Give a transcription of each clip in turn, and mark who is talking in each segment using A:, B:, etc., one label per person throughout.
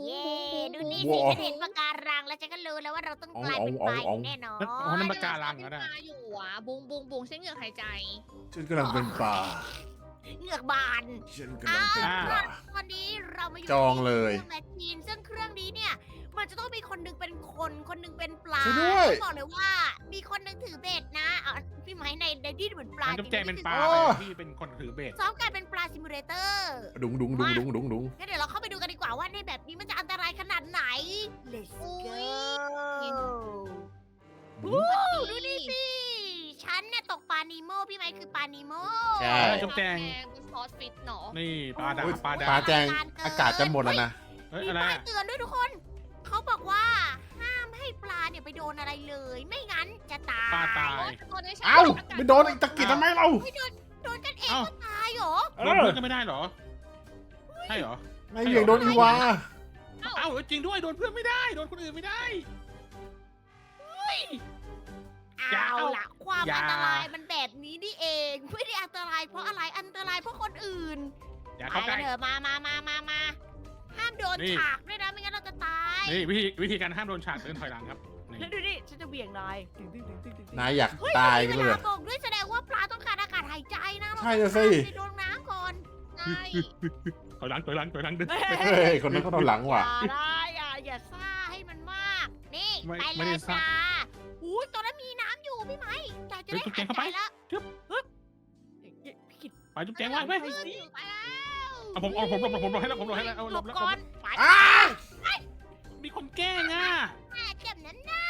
A: เย้ดูนี่
B: ว้าว
A: สิฉันเห็นปะการังแล้วฉันก็รู้แล้วว่าเราต้องกลายเป็นปลาอย่างแน่นอน
C: อ๋อนั่นปะการังเหรอ
D: ป
C: นะ
D: ลาอยู่อ่ะบุงบุงบุงใช้เหงือกหายใจ
B: ฉันกำลังเป็นปลา
A: เหงือกบาน
B: ฉันกำลังเป็นปลา
A: ตอนนี้เรามาอยู่
B: จองเลย
A: ในเครื่องแมชชีนซึ่งเครื่องนี้เนี่ยมันจะต้องมีคนหนึงเป็นคนคนหนึงเป็นปลา
B: ช่วยด้วย
A: ต้องบอกเลยว่ามีคนหนึงถือเบ็ดนะเอาพี่ไม้ในที่เหมือนปลา
C: น้ำจุ๊บแจงเป็นปลา
B: โอ้
C: ไปพี่เป็นคนถือเบ็ด
A: ซ้อมการเป็นปลาซิมูเลเตอร์
B: ดุงงั้นเ
A: ดี๋ยวเราเข้าไปดูกันดีกว่าว่าในแบบนี้มันจะอันตรายขนาดไหน Let's go วู้ดูนี่สิ ฉันเนี่ยตกปลานีโมพี่ไม้คือปลานีโม
B: ใช่
C: จุ๊บแจง
D: เป็นซอสฟิตเนาะ
C: นี่ปลาดา
B: โอ้ย
C: ปลา
B: ปลา
C: ดา
B: แจงอากาศจะหมดแล้วนะ
C: เฮ้ย
A: มี
C: อะไร
A: ป้าย
C: อะ
A: เตือนด้วยทุกคน เขาบอกว่าห้ามให้ปลาเนี่ยไปโดนอะไรเลย ไม่งั้นจะตาย
C: ปลาตาย
D: ตอนนี้ฉัน
B: เอ้า
D: อากาศ
B: ไม่โดนอีกตะกิดทำไมเรา
A: ไม่โดนกันเอง
C: เอ้า
A: ก็ตายเหรอ
C: โดนเพื่อนก็ไม่ได้เหรอ ใช่เหรอ
B: ไม่เหวี่ยงโดนอีวา
C: เอ้าจริงด้วยโดนเพื่อนไม่ได้ โดนคนอื่นไม่ได้ อย่า
A: เอาล่ะ ความ
C: อย่า
A: อันตรายมันแบบนี้นี่เอง ไม่ได้อันตรายเพราะอะไร อันตรายเพราะคนอื่น
C: อย่า
A: ไป
C: เข้าใก
A: กั
C: ล้
A: นเถอะมาห้ามโดน
C: นี่
A: ฉากด้วยนะ ไม่งั้นเราจะตาย
C: นี่วิธีการห้ามโดนฉากเดินถอยหลังครับนี่
A: แล้วดูดิ ฉันจะเบี่ยงนาย
B: นายอยาก
A: เฮ้ย
B: ตาย
A: มั
B: กัน
A: น
B: เล
A: มี
B: ย
A: เวลาบอกด้วยแสดงว่าปลาต้องการอากาศหายใจนะ
B: ใช่อะสิ
A: ไปโดนน้ำก่อน
D: ใช่
C: ถอยหลังเดิน
B: เฮ้ยคนนั้นเขาโดนหลังว่ะ
A: อย่าได้อย่าซ่าให้มันมาก นี่
C: ไม่
A: ไป
C: ไม่
A: เล
C: ได้
A: ย
C: ซ่า
A: จ้าอุ้ยตอนนั้นมีน้ำอยู่พี่ไหมจ่ายจะ
C: เฮ้
A: ได้
C: ยจุ๊บแจ
A: หาย
C: งเข้า
A: ใจ
C: ไป
A: แล้ว
C: จึ๊บ
A: พี่กิด
C: ไปจุ๊บแจงไว้ไป
A: ไปสิไปแล้ว
C: เอาผมหลบให้แล้วผมหลบให้แล้วเอา
A: ห
C: ห
A: ล
C: ล
A: บบ
C: แล้ว
A: ก่อนไป
B: อ้า
C: มีคนแกล้งอ่ะ
A: เจ็บนั้นน่ะ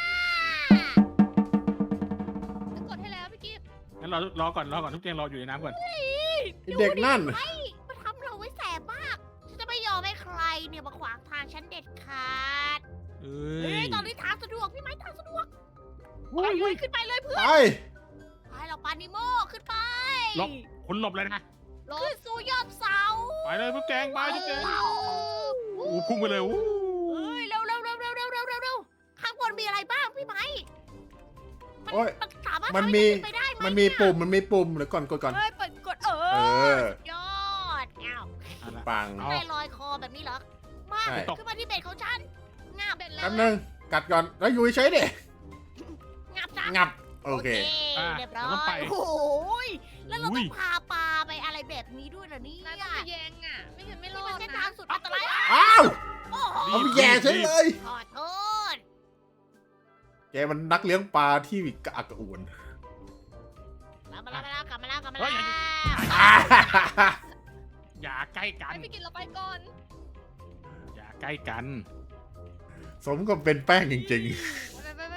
D: ฉันกดให้แล้วพี่กิฟต์
C: งั้นรอก่อนจุ๊บแจงรออยู่ในน้ำก่อน
B: ไอ้เด็กนั่น
A: มันทำเราไว้แสบมากฉันจะไม่ยอมให้ใครเนี่ยมาขวางทางฉันเด็ดขาด
C: เอ้
A: เฮ้
C: ย
A: ยตอนนี้ทางสะดวกพี่ไหมทางสะดวก
C: อุ้ย
A: ไปขึ้นไปเลยเพื่อน
B: ไป
A: ไปเราปานิโมขึ้นไป
C: หลบ คุณหลบเลยนะ
A: ขึ้นสู่ยอดเสา
C: ไปเลยจุ๊บแจงไปจุ๊บแจง
A: ว้าว
C: อู้พุ่งไปเลยอู้
A: เฮ้ยเร็วข้างบนมีอะไรบ้างพี่ไหม
B: โอ้ย
A: มันสามารถ
B: มัน
A: ทำให้
B: มี
A: ขึ้นไปได้ไหม
B: มันมีปุ่มเดี๋ยวก่อนกดก่อน
A: เฮ้ยเปิดกด
B: เออ
A: ยอดอ้าว
C: เอาละ
B: ปัง
C: เอา
A: ได้ลอยคอแบบนี้เหรอ มา
B: ใช่
A: ขึ้นมาที่เบ็ดของฉันงับเบ็ดแล้
B: แป๊
A: ว
B: บนึงกัดก่อนแล้วอยู่เฉยๆดิ
A: งับจ้ะ
B: งับ โอเค
A: เรียบร้
C: เราต้องไป
A: อยโอ้โหยแล้วเรา
C: อุ้
A: ต้อย งพาปลาไปอะไรแบบนี้ด้วยเหรอเนี่ย
D: นายต้องไปแยงอ่ะ ไม่งั้นไม่ร
A: นี่
D: อ
A: มัน
D: ด
A: เส้น
D: นะ
A: ทางสุดอันตราย
B: อ้าว
A: โอ้โห
B: เอาไปแย่ฉันเลย
A: ขอโทษ
B: แกมันนักเลี้ยงปลาที่กระอักกระอ่วน
A: กลับมาแล้วกลับมาแล้ว
C: เฮ้ย
B: อ่า
C: อย่าใกล้กัน
D: ให้พี่กิฟต์เราไปก่อน
C: อย่าใกล้กัน
B: สมกับเป็นแป้งจริง
D: ไป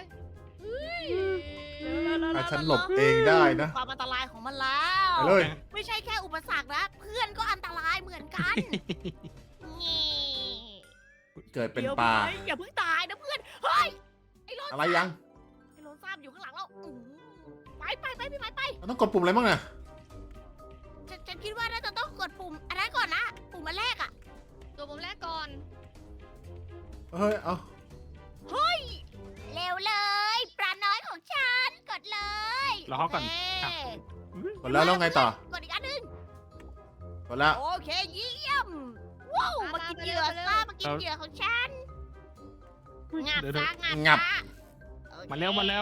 B: ถ้าฉันหลบเองได้นะ
A: ความอันตรายของมันแล้ว
B: ไปเลย
A: ไม่ใช่แค่อุปสรรคนะเพื่อนก็อันตรายเหมือนกันนี่
B: เกิดเป็น
A: ดี๋ยว
B: ปลา
A: พี่อย่าเพิ่งตายนะเพื่อน เฮ้ย ไอ้โลน
B: อะไรยัง
A: ไอ้โลนซ้ำอยู่ข้างหลังเราไปพี่ไป
B: เราต้องกดปุ่มอะไรบ้างน่ะ
A: ฉันคิดว่าน่าจะต้องกดปุ่มอันนั้นก่อนนะ ปุ่มอันแรกอะ
D: ตัวผมแรกก่อน
B: เฮ้ย เอา
A: เร็วเลยปลาน้อยของฉันกดเลย
C: รอเขาก่อน
A: โเค
B: กดแล้วไงต่อ
A: กดอีกอันหนึง
B: กดแล้ว
A: โอเคเยี่ยมว้าวมากินเหยื่อซะมากินเหยื่อของฉันงับ
C: เดี๋ยว
A: ซะ
B: งั
A: งั
B: บ
A: บซะโอเค
C: มาแล้ว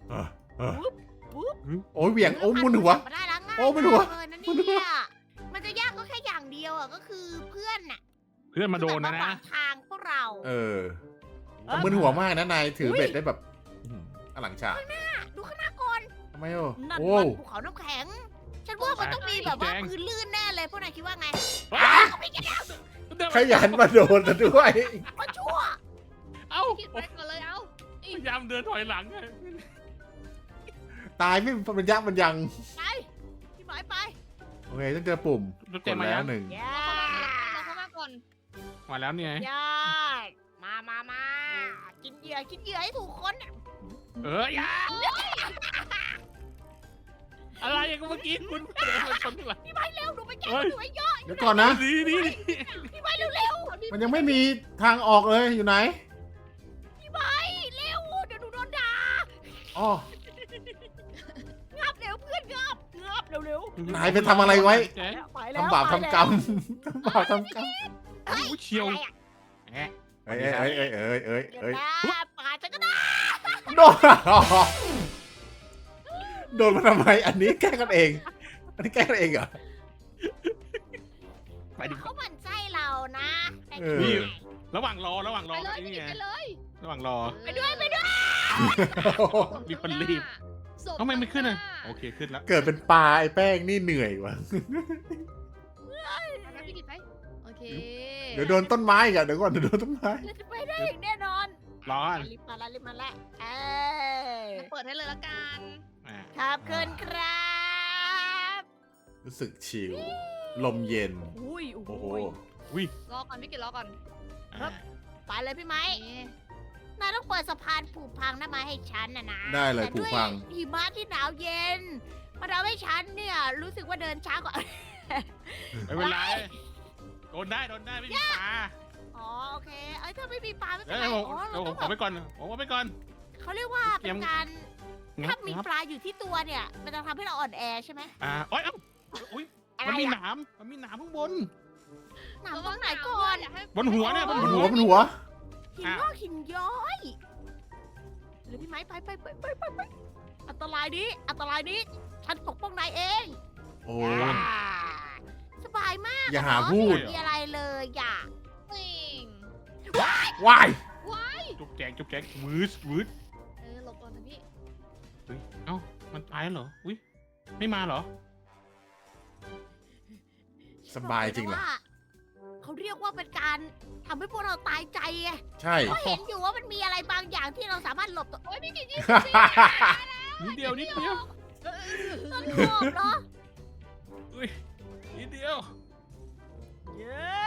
B: โอ้ยเหวี่ยง โอ้ยมุนหัว
A: มาได้แล้วง่าย
B: โอ้ไม่รู้อะ
A: เลยนะเนี่ยมันจะยากก็แค่อย่างเดียวอะก็คือเพื่อนน่ะ
C: เพื่อนมาโดนนะ
A: ที่แบบ
C: นะ
A: มาขวางทางพวกเรา
B: เออแต่มึนหัวมากนะนายถือเบ็ดได้แบบอลังฉาก
A: ดูข้างหน้าก่อน
B: ทำไมโอ้
A: นั่น
B: โอ้
A: มันภูเขาน้ำแข็ง ฉันว่ามันต้องมีแบบว่าพื้นลื่นแน่เลยพวกนายคิดว่าไง
B: อ่ะ
A: เอาไปกันแล้ว
B: ขยันมาโดนซะด้วย
A: ก็ชั่ว
C: เอ้า
D: พี่กิฟต์ไปก่อนเลยเอ้า
C: พยายามเดินถอยหลังไง
B: ตายไม่เป็นยักษ์มันยัง
A: ไปพี่หมายไป
B: โอเคต้องเจอปุ่ม
C: จุ๊บ
B: ก
C: แจ
B: ด
C: งมา
B: แล้
C: ยั
B: ว
C: ง
B: หนึ่ง
A: ยา
D: เราเข้ามาก่อน
C: มาแล้วเนี่ย
A: ยามากินเหยื่อให้ถูกคน
C: อย่าอะไรอย่างเมื่อกี้คุณเดินมาชนหลัง
A: พี่หมายเร็วดูไปแก้
C: เฮ้ย
A: ดูไปเยอะ
B: เดี๋ยวก่อนนะ
C: ดี
A: พี่หมายเร็ว
B: มันยังไม่มีทางออกเลยอยู่ไหน
A: พี่หมายเร็วเดี๋ยวหนูโดนด่า
B: อ๋อ
A: งับเร็วเพื่อนงับเร็ว
B: นายไปทำอะไรไว้
C: แจ๊ค
A: ไปแล้ว
B: ทำบาปทำกรรมทำบาปทำกรรม
C: โอ้ยเชียว
A: อะไรอะ
C: แอะ
B: เอ้ยเอ้ยเอ้ยเอ้ยเอ้ย
A: เดี๋ยว
B: เอ้ย
A: นะปาดฉันก็ได้
B: โดนโดนมาทำไมอันนี้แกล้งกันเอง อันนี้แกล้งกันเองเหรอ
C: ไปดิ
A: เขาหมั่นไส้เรานะแต่
B: เออ
A: นี่
C: ระหว่างรอ
D: ไปเลย
C: นี่
D: พี่กิ
C: ไง
D: ตไปเลย
C: ระหว่างรอ
A: ไปด้วย
C: มีคนรีบ
D: ศพ
C: ทำไมไม่ขึ้นอ่ะ
D: ข้างหา
C: โอเคขึ้นแล้ว
B: เกิดเป็นปลาไอ้แป้งนี่เหนื่อยว่ะ
D: ไปพี่กิตไปโอเค
B: เดี๋ยวโดนต้นไม้อีกอะเดี๋ยวก่อนเดี๋ยวโดนต้นไม้
A: เราจะไปได้อย่างแน่นอน
C: รอ
A: รีบมาละรีบมาละเออ
D: เปิดให้เลยละกัน
C: อ่ะ
A: ขอบคุณครับ
B: รู้สึกชิล ลมเย็น
A: อุ้ย
B: โอ้โห
C: อุ้ย
D: รอก่อนพี่กิตรอก่อน
C: อ่ะ
A: ไปเลยพี่ไม้
D: นี่
A: นายต้องเปิดสะพานผูกพังนั่นมาให้ฉันนะ
B: ได้เลย
A: แต่
B: ผู
A: ด้
B: ก
A: วย
B: พัง
A: หิมะที่หนาวเย็นมันทำให้ฉันเนี่ยรู้สึกว่าเดินช้ากว่า
C: ไม่เป็นไรโดนได้ไม่มีปลา
A: อ๋อโอเคเอ้ยถ้าไม่มีปลาไม่เป็น
C: เอ้
A: ไร
C: ยผม
A: อ๋อ
C: เดี๋
A: เรา
C: ยวผ
A: ต้อ
C: ม
A: ง
C: ไปก่อนผมไปก่อน
A: เขาเรียกว่าเป็นการ
C: งั
A: ถ้า
C: บ
A: มี
C: งับ
A: ปลาอยู่ที่ตัวเนี่ย มันจะทำให้เราอ่อนแอใช่ไหม
C: โอ้ยเอ้าอุ้ย
A: อะไร
C: มันมีห
A: อะ
C: นามข้างบน
A: หนามตรงไหนก่อน
D: ย่าให้
C: บนหัวเนี่ย
B: บนหัวบนหัว
A: หินงอกหินย้อยหรือพี่ไม้ไปอันตรายนี้ฉันปกป้องนายเอง
B: โอ้
A: สบายมาก
B: อย่าหาพูด
A: ไม่มีอะไรเลยอย่า
D: สิ่ง
B: ว้าย
D: ว้าย
C: จุ๊บแจงวืด
D: หลบก่อนนะพี่
C: เฮ้ยเอ้ามันตายแล้วเหรออุ้ยไม่มาเหรอ
B: สบายจริงเหรอ
A: เขาเรียกว่าเป็นการทำให้พวกเราตายใจไง
B: ใช่
A: เพราะเห็นอยู่ว่ามันมีอะไรบางอย่างที่เราสามารถหลบตัว
D: โอ้ยพี่กิต
C: นิดเดียว
A: ต้นหอมเหรอ
C: อุ้ยนิดเดียว
A: เย้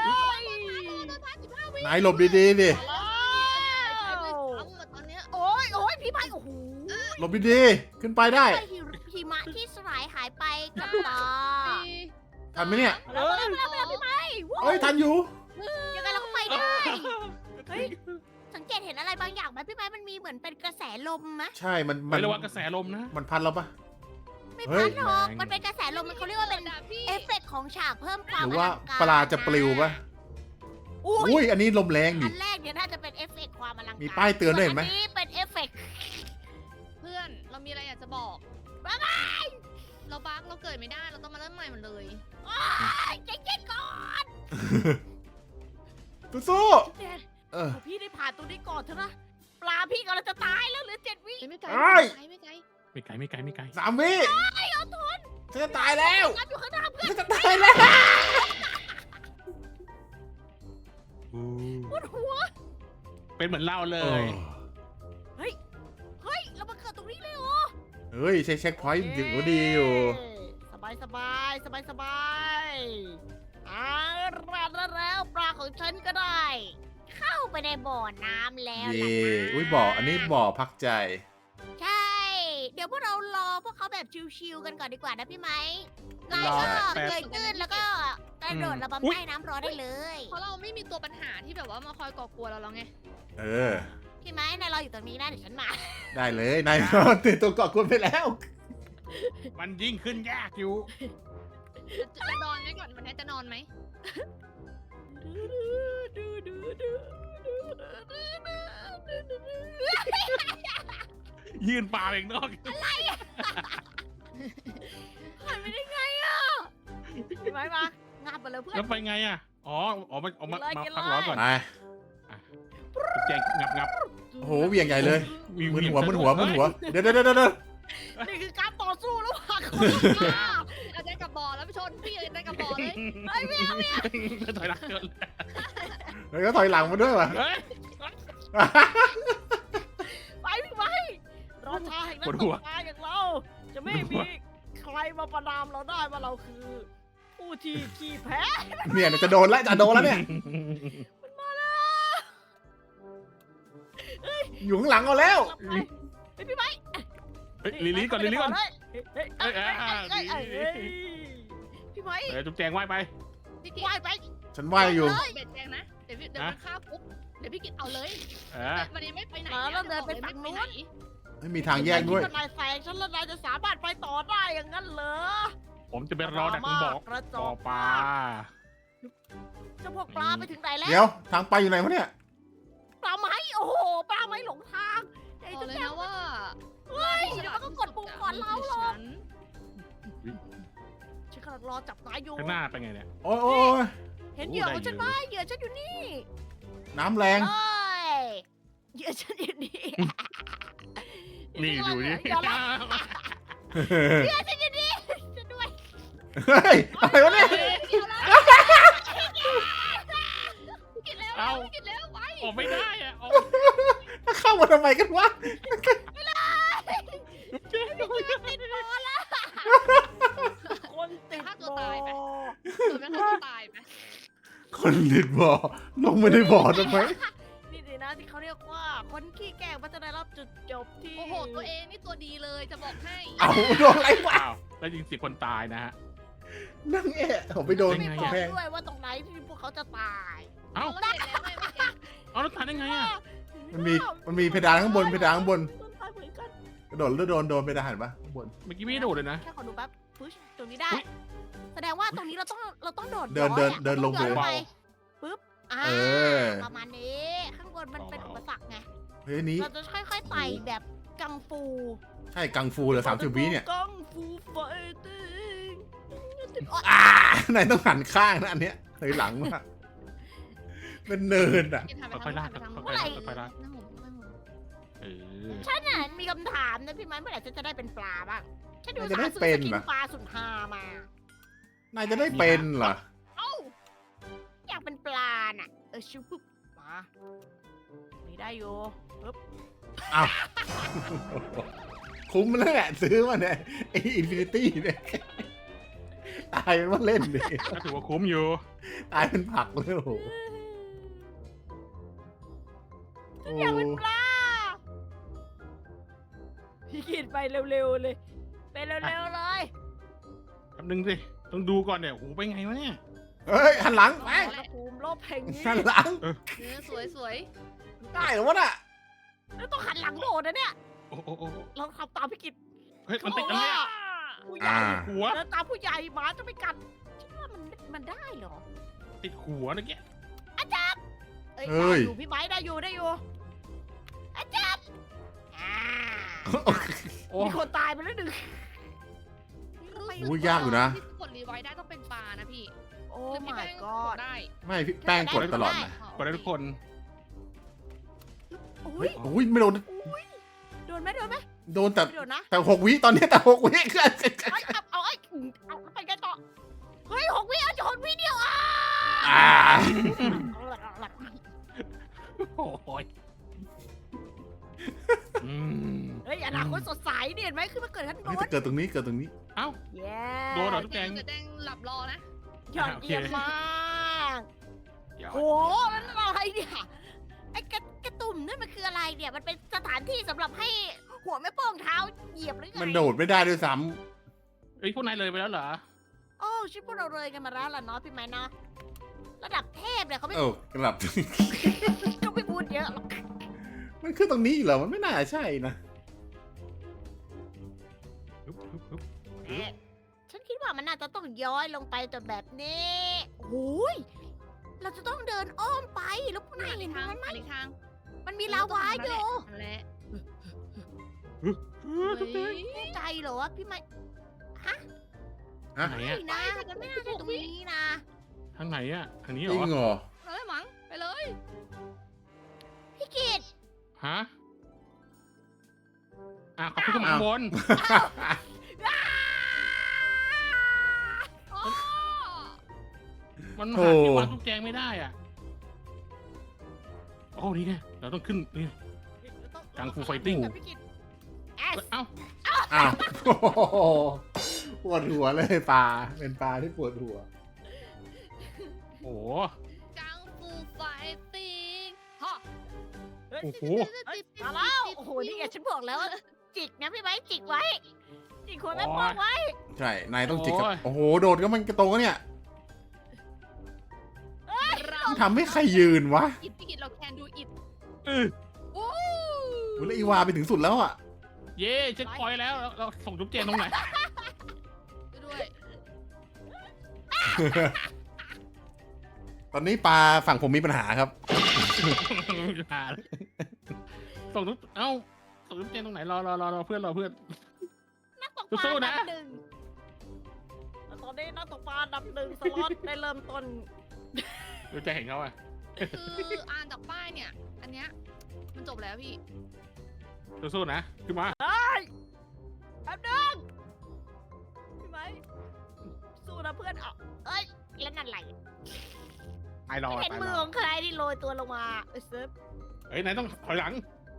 B: นายหลบดีๆดิ
D: ใช้ด้วยซ้ำอะตอนเนี้ย
A: โอ้ยพี่ไม้โอ้โห
B: หลบดีๆขึ้นไปได้
A: หิมะที่สลายหายไปกับตา
B: ทันไหมเนี่ย
A: แล้วพี่ไม้
B: เอ้ยทันอยู่
A: ยังไงเราก็ไปได้ เฮ้ย สังเกตเห็นอะไรบางอย่างไหมพี่ไม้มันมีเหมือนเป็นกระแสลมไหม
B: ใช่มัน
C: ไม่ระวังกระแสลมนะ
B: มันพัดเราปะ
A: ไม่
B: เฮ้
A: พั
B: ย
A: ดหรอก
C: แรง
A: มันเป็นกระแสลมมันเขาเรียกว่าเป็น
D: พี่
A: เอฟเฟกต์ของฉากเพิ่มความ
B: หรือว่า
A: ลังก
B: ปลาจะปลิวปะ
A: อุ้
B: อุ้
A: ย
B: ยอันนี้ลมแรงดิ
A: อันแรกเนี่ยน่าจะเป็นเอฟเฟกต์ความอลังการ
B: มีป้ายเตือนด้วยเห็นไหม
A: ส่อันี้เป็นเอฟเฟกต์
D: เพื่อนเรามีอะไรอยากจะบอก
A: บ๊ายบาย
D: เราบั๊กเราเกิดไม่ได้เราต้องมาเริ่มใหม่หมดเลย
A: เจ๊ๆก่อน
B: สู้ๆเออ
A: พี่ได้ผ่านตรงนี้ก่อนเถอะนะปลาพี่กำลังจะตายแล้วเหลือ7 วิ
D: ไม่ไกล
B: เอ้ย
D: ไม่ไกล
C: ไม่ไกล
B: 3 วิฉันจะตายแล้ว
A: งับอยู่ข้างหน้าเพื่อน
B: ฉันจะตายแล้ว
A: ปวดหัว
C: เป็นเหมือนเราเลย
A: เฮ้ยเรามาเกิดตรงนี้เลยเหรอ
B: เฮ้ยเช็คพอยต์ถึงก็ดีอยู่
A: สบายแล้วปลาของฉันก็ได้ เข้าไปในบ่อน้ำแล้ว
B: เย่
A: ล่ะนะ
B: อุ้ยบ่ออันนี้บ่อพักใจ
A: ใช่ เดี๋ยวพวกเรารอพวกเขาแบบชิวๆกันก่อนดีกว่านะพี่ไหมนาย
B: รอ
A: ก็
C: แป๊บ
A: เกยตื้นแล้วก็กระโดดระบำ
C: อุ๊ย
A: ใต้น้ำรอได้เลย
D: เพราะเราไม่มีตัวปัญหาที่แบบว่ามาคอยก่อกวนเราแล้วไง
B: เออ
A: พี่ไหมนายรออยู่ตรงนี้นะเดี๋ยวฉันมา
B: ได้เลยนายตื่นตัวเกาะกวนไปแล้ว
C: มันยิ่งขึ้นยากอยู่
D: จะนอนไหมก่อนวันนี้จะนอนไหม
C: ยืนปลาเองนอก
A: ผ่านไปได้ไงอ่ะพี่ไหมมางาบไปเลยเพื่อน
C: แล้วไปไงอ่ะอ๋อมา
A: กินเลย
C: พักร้อนก่อน
B: ไป
C: แจงงับ
B: โอ้โหเหวี่ยงใหญ่เลย
C: วิว
B: มึน
C: เหวี่ยง
B: หัว
C: ซะ
B: มึนหัว
C: ด้วย
B: มึนหัว เดี๋ยว
A: นี่คือการต่อสู้ระหว่างคนกับปลา
D: อาจารย์กับบ่อแล้วพี่ชนพี่อาจารย์กับบ่อเลย
C: เฮ้ยถอยหลังเกิน
B: แล้วก็ถอยหลังมาด้วยว่ะ
C: เฮ้ย
A: ไปพี่ไหมรอชาแห่งนัก
C: ปวด
A: ต
C: หัว
A: กปลาอย่างเรา จะไม่มีใครมาประนามเราได้ว่าเราคือ ผู้ที่ขี้แพ้
B: เนี่ยจะโดนแล้วเนี่ย อยู่ข้างหลังเอาแล้ว
A: เฮ้ยพี่ไหม
C: เฮ้ยลิลี่ก่อน
A: เฮ้ย
C: พี่ไหม จุ๊บแจงว่ายไป
D: พี่กิต
A: ว่ายไป
B: ฉันว่ายอยู่
D: เบ็ดแดงนะเดี๋ยวมันฆ่าปุ๊บเดี๋ยวพี่กิตเอาเลย วันนี้ไม่ไปไหน
B: ไม่มีทางแยกด้วย
A: นายแซงฉันแล้วนายจะสามารถไปต่อได้อย่างนั้นเหรอ
C: ผมจะไปรอดักตรงบอก
A: กระจ
C: บ่อ
A: อก
C: ปลา
A: เจ้าพวกปลาไปถึงไหนแล้ว
B: เดี๋ยวทางไปอยู่ไหนวะเนี่ย
A: ไมหลงทางไอ้
D: บอก
A: จุ๊บ
D: เลย
A: แจง
D: นะว่า
A: เฮ้ยเดี๋ยวมันก็กดปุ่มก่อนเราหรอก
D: ฉัน
A: ฉันกำลังรอจับนายอยู่
C: ข้างหน้าเป็นไงเนี่ย
B: โอ้ยโอ้ย
A: เห็นเหยื่อของฉันไหมเหยื่อฉันอยู่นี่
B: น้ำแรง
A: เอ้ยเหยื่อฉันอยู่นี่
C: นี่ดูนี่
A: เหยื่อละเหยื่อฉันอยู่นี่ฉันด้วย
B: เฮ้ยอะไรวะเนี่ย
D: กินแล้วกินแล้วไป
C: ออกไม่ได้อะออก
B: เข้ามาทำไมกันวะ
A: ติดบอลละคนติด
D: ฆ่า
A: บ
D: ตัว
A: อ
D: ตายไหม
A: ล
D: ตัวแม่ฆ่าตัวตายไหม
B: คนติดบ่อลงไม่ได้บ่อทำไม
A: นี่สินะที่เขาเรียกว่าคนขี้แกล้งมันจะได้รับจุดจบที่
D: โอ้โหตัวเองนี่ตัวดีเลยจะบอกให้
B: เอาโดนอะไรวะ
C: อ้าวแล้วยิง10 คนตายนะฮะ
B: นั่งแอะผมไปโดน
A: ไม่
C: ไง
A: บอก
B: แพง
A: ด้วยว่าตรงไหนที่พวกเขาจะตาย
C: เอ้า
D: เราเห็นแล้วไงเมื่อกี้
C: เอาแล้วตายได้ไงอะ
B: มันมีเพดานข้างบนเพดานข้างบน
A: ตายเหมือนกัน
B: กระโดดแล้วโดนเพดานเห็นปะข้างบน
C: เมื่อกี้ไม่ได้โดดเลยนะ
A: แค่ขอดูแป๊บพุชตรงนี้ได้ แสดงว่าตรงนี้เราต้องโดด
B: เดิน
A: ย้อยอะ
B: เดินลง
A: ราต้องย้อย
C: เบา
A: ไปปึ๊บ
B: เออ
A: ประมาณนี้ ข้างบนมันเป็นอุปสรรคไง
B: เฮ้ยอันนี้
A: เราจะค่อยๆไต่แบบกังฟู
B: ใช่กังฟูเหรอ30 วิเนี่ย
A: กังฟูไฟติ้ง
B: ไหนต้องหันข้างนะอันเนี้ยถอยหลังมากเป็นเนินอ่ะ
D: กินทำไป
C: ค่อยๆลาก
D: ทาง
C: ค่อยๆลากค่อยๆลาก
D: นั่งผมนั่งผม
C: เออ
A: ฉันน่ะมีคำถามนะพี่ไม้เมื่อไหร่ฉันจะได้เป็นปลาบ้างฉันดู
B: มันจะ
A: สา
B: ได้
A: ซื้อ
B: เป็
A: ส
B: น
A: กิน
B: เหรอ
A: ปลาสุดฮามา
B: นายจะได้เป็นเหรอ
A: เอ้าอยากเป็นปลาน่ะชิวปุ๊บมานี่ได้อยู่ปึ๊บ
B: คุ้มแล้วแหละซื้อมาเนี่ยไออินฟินิตี้เนี่ยตายเป็นว่าเล่นดิ
C: ก็ถือว่าคุ้มอยู่
B: ตายเป็นผักเลยโอ้โห
A: อยากเป็นปลาพี่กินไปเร็วๆเลยไปเร็วๆเลย
C: แป๊บนึงสิ ต้องดูก่อนเนี่ยโอ้โหไปไงวะเนี่ย
B: เฮ้ยหันหลังไป
A: อุณหภูมิโลกแห่งนี้
B: หันหลัง
D: เนื้อสวย
B: ได้เหรอวะน่ะ
A: แล้วต้องหันหลังโดดนะเนี่ย
C: โอ้โอ้โอ้
A: ลองทำตามพี่กิต
C: เฮ้ยมันติดอะไรอะ
A: ผู้ใหญ่
C: หัว
A: เดินตามผู้ใหญ่หมาจะไม่กัดฉันว่ามันได้เหรอ
C: ติดหัวนะแก
A: เอ้ยได้อยู่พี่ไม้ได้อยู่อาจารย์อ่า
C: โอ้
A: มีคนตายไปแล้วหนึ่ง
D: ๆ
B: โอ้ยยากอยู่นะ
D: ที่กดรีไวท์ได้ต้องเป็นปลานะพี่
A: โอ้
D: หรือพี่
A: my
D: แป้งก
A: god
D: ดได้
B: ไม่พี่แป้งกดตลอดนะ
C: กดได้ทุกคน
A: อุ้
B: เฮ้
A: ย
B: ยโอ้ยไม่โดน
A: โดนไหม
B: โดนแต่
A: ไม่โดนนะ
B: แต่6 วิตอนนี้แต่6 วิ
A: เอ้ยเอาไปกันต่อเฮ้ย6 วิเอาจะ6 วิเดียวอ่ะ
B: อ่า
C: โอ้ยอืม
A: เฮ้ยอนาคตสดใสเนี่ยเห็นไหมคือมันเกิดขึ้นบ
B: เฮ้ย
A: น
B: แต่เกิดตรงนี้เกิดตรงนี้
C: เอ้า
A: เย้
C: โดนเหรอ ทุกแกง
D: จะแดงหลับรอนะ
A: ยอดเยี่ยมมาก
C: เดี๋ยว
A: โหนั่นอะไรเนี่ยไอ้กระตุ่มนั่นมันคืออะไรเนี่ย มันเป็นสถานที่สำหรับให้หัวแม่โป้งเท้าเหยียบหรือไง
B: มันโดดไม่ได้ด้วยซ้
C: เอ้ยพวกนายเลยไปแล้วเหรอ
A: โอ้ชิพวกเราเลยกันมาแล้วล่ะเนาะพี่ไม้เนาะระดับเทพเนี่ยเขา
B: ำ
A: ไม่
B: เออกลับ
A: ก็ไม่พูดเยอะหรอก
B: มันคือตรงนี้เหรอมันไม่น่าใช่นะ
A: ฉันคิดว่ามันน่าจะต้องย้อยลงไปแต่แบบนี้โอ้ยเราจะต้องเดินอ้อมไปแล้วพวกนายเห็น
D: ทาง
A: มันไหม
D: อันนี้ทาง
A: มันมีลาวาอยู่
D: นั่นแหละ
C: ทุกแกง
A: แน่ใจเหรอวะพี่ไม้
C: ไหน
A: ไม่
C: อะ
A: นะมันไม่น่าจะตรงนี้นะ
C: ทางไหนอะทางนี้
B: จ
C: เหร
B: ริ
C: อ
B: งเหรอ
D: เลยมั้งไปเลย
A: พี่กิต
C: ฮะอ่ะขอบคุณข้างบน
D: อ๋อ
C: มัน
B: โอ้
C: หาที่วางทุกแจงไม่ได้อ่ะ โอ้นี่ไงเราต้องขึ้นนี่ กังฟูไฟติ้ง
A: พี่กิต
C: เอ้า
B: อ้าวโอ้โหปวดหัวเลยปลาเป็นปลาที่ปวดหัว
C: โอ้
D: กังฟูไฟติ้งฮะ
C: โอ้โห
A: มาแล้วโอ้โหนี่ไงฉันบอกแล้วว่าจิกนะพี่ไม้จิกไว้จิกหัวแม่โป้งไว้
B: ใช่ นายต้องจิกกับโอ้โห โดดก็มันกระโตงเนี่ย มันทำให้ใครยืนวะ
D: อิดพี่กิดเราแคนดูอิด
C: เออ
D: โอ้
B: โอ้แล้วอีวาไปถึงสุดแล้วอ่ะ
C: เย่เช็คพอยต์แล้วเราส่งจุ๊บเจนตรงไหน
D: ด้วย
B: ตอนนี้ปลาฝั่งผมมีปัญหาครับ
C: หาเลยส่งทุกเอ้าส่งทุกเจนตรงไหนรอเพื่อน
A: นักตกปลา
C: สู้ๆ
A: อัน
C: นะ
A: ดับหนึ่งแล้วตอนนี้นักตกปลาอันดับหนึ่งสล็อตได้เริ่มต้น
C: ดูจะเห็นเขาอ่ะ
D: คืออ่านจากป้ายเนี่ย อันเนี้ยมันจบแล้วพี่
C: สู้ๆนะขึ้นมา
A: เฮ้ยแป๊บนึงพี่ไหมสู้นะเพื่อนเอาเอ้ยแล้วนั่นอะไร
C: ตายรอ
A: เห็น
C: ตาย
A: มื
C: ร
A: อ
C: อ
A: ของใครที่โรยตัวลงมาเซิร์ฟ
C: เฮ้ยนายต้องถอยหลัง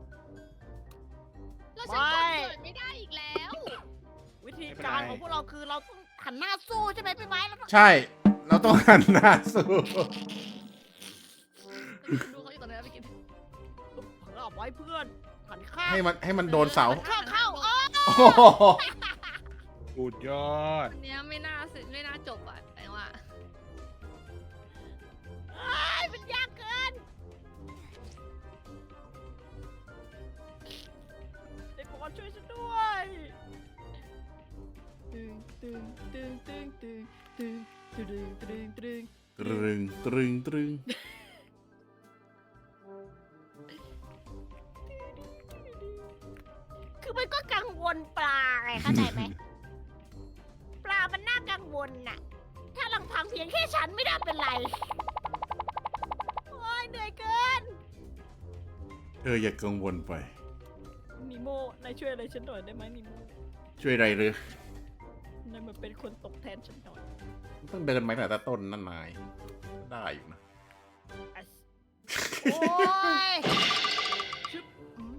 D: แล้วฉันกดเกิดไม่ได้อีกแล้ว
A: วิธีการของพวกเราคือเราต้องหันหน้าสู้ใช่ไหมพี่ไหมเราต้อง
B: ใช่ เราต้องหันหน้าสู้
D: ดูเขาอยู่ตรงนั้นไปกิน
A: เผลอเอาไว้เพื่อนหันข้าง
B: ให้มันโดนเสา
A: เข้าเออ
B: โอ้โห
C: สุดยอด
D: อันเนี้ยไม่น่าจบอ่ะแต่ว่า
A: เอ้ยมันยากเกินเด็กบอลช่วยฉันด้วยตึงตึงตึงตึงตึงตึงตึงตึงตึง
B: ตรึง
A: คือมันก็กังวลปลาไงเข้าใจไหม ปลามันน่ากังวลน่ะ ถ้าลำพังเพียงแค่ฉันไม่ได้เป็นไร โอ้ยเหนื่อยเกิน
B: อย่ากังวลไป
A: นิโมนายช่วยอะไรฉันหน่อยได้ไหมนิโม
B: ช่วยอะไรหรือน
A: ายมาเป็นคนตกแทนฉันหน่อย
B: ต้องเดินมาตั้งแต่ต้นนั่นนายได้อยู่นะ
A: โอ้ยชึบ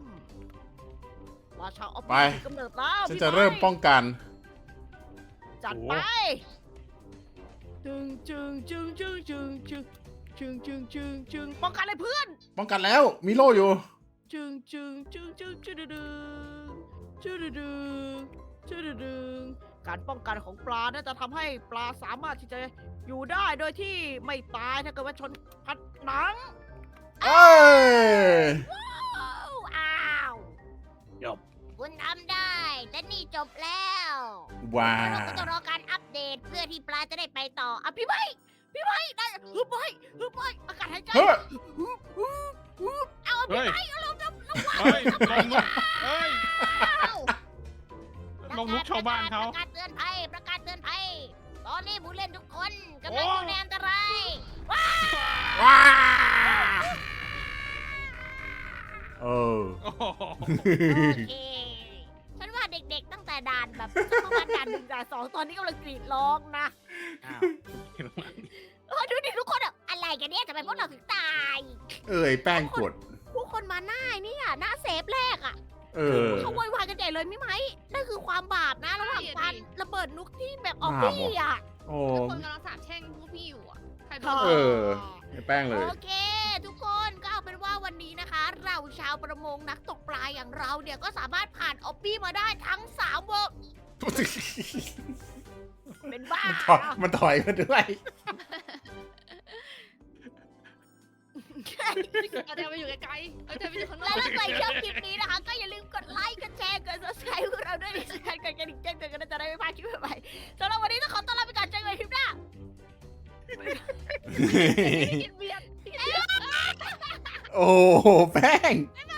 A: ราชาออฟ
B: ไป
A: ฟิศกำเนิดแล้ว
B: ฉัน
A: พี่
B: จะเริ่ม
A: ไ
B: ป้องกัน
A: จัดไปจึงจึงจึงจึงจึงจึงจึงจึงจึงจึงป้องกันเลยเพื่อน
B: ป้องกันแล้ว มีโล่อยู่
A: จึงจึงจึงจึงจึงดึงจึงดึงจึงดึงการป้องกันของปลาน่าจะทำให้ปลาสามารถที่จะอยู่ได้โดยที่ไม่ตายถ้าเกิดว่าชนผนัง
B: เอ้ย
A: อ้าว
C: จบ
A: คุณทำได้และนี่จบแล้ว
B: ว้า
A: เราก็จะรอการอัปเดตเพื่อที่ปลาจะได้ไปต่ออ่ะพี่ไม้ได้ฮึบไว้อากาศหายใจ
B: เฮ้ย
A: เอา
C: เฮ้
A: พี่
C: ย
A: ไม้เอาลง
C: เฮ้ยลงนุกเฮ้ย
A: เอา
C: ลงนุกชาวบ้านเขา
A: ประกาศเตือนภัยตอนนี้ผู้เล่นทุกคนกำลังอยู่ในอันตราย
B: ว้าเออ
C: โอ้โห
A: โอเคฉันว่าเด็กๆตั้งแต่ด่านแบบประมาณด่าน1ด่าน2ตอนนี้กำลังกรีดร้องนะ
C: อ้าว
A: ดูดิทุกคนอะอะไรกันเนี่ยทำไมพวกเราถึงตาย
B: ไอ้แป้งกด
A: ผู้คนมาหน้าเนี่ยหน้าเซฟแรกอะ เขาโวยวายกันใหญ่เลยไม่ไหมนั่นคือความบาปนะระหว่างการระเบิดนุกที่แบบออฟฟี่อะ
B: โอ้
D: แล้วคนกำลังสาบแช่งพวกพี่อยู่อ่ะใครโดน
B: เออ ไอ้แป้งเลย
A: โอเค ทุกคนก็เอาเป็นว่าวันนี้นะคะ เราชาวประมงนักตกปลาอย่างเราเนี่ยก็สามารถผ่านออฟฟี่มาได้ทั้ง3เวอร์เป็นบ้า
B: มันถอยมาด้วย
D: เอาเดี๋ยวไปอยู่ไกลๆเอาเดี๋ยวไปอยู่ข้างนอ
A: และ
D: ก
A: ถ้าใครชอบคลิปนี้นะคะ ก็อย่าลืมกดไลค์ กดแชร์ กด subscribe พวกเราด้วยที่สำคัญกดกระดิ่งแจ้งเตือนกันจะได้ไม่พลาดคลิปใหม่ๆสำหรับวันนี้ต้องขอต้อนรับไปก่อนเจอกันใหม่คลิปหน้า
D: กินเบียร์
B: โอ้แป้ง
A: บ๊าย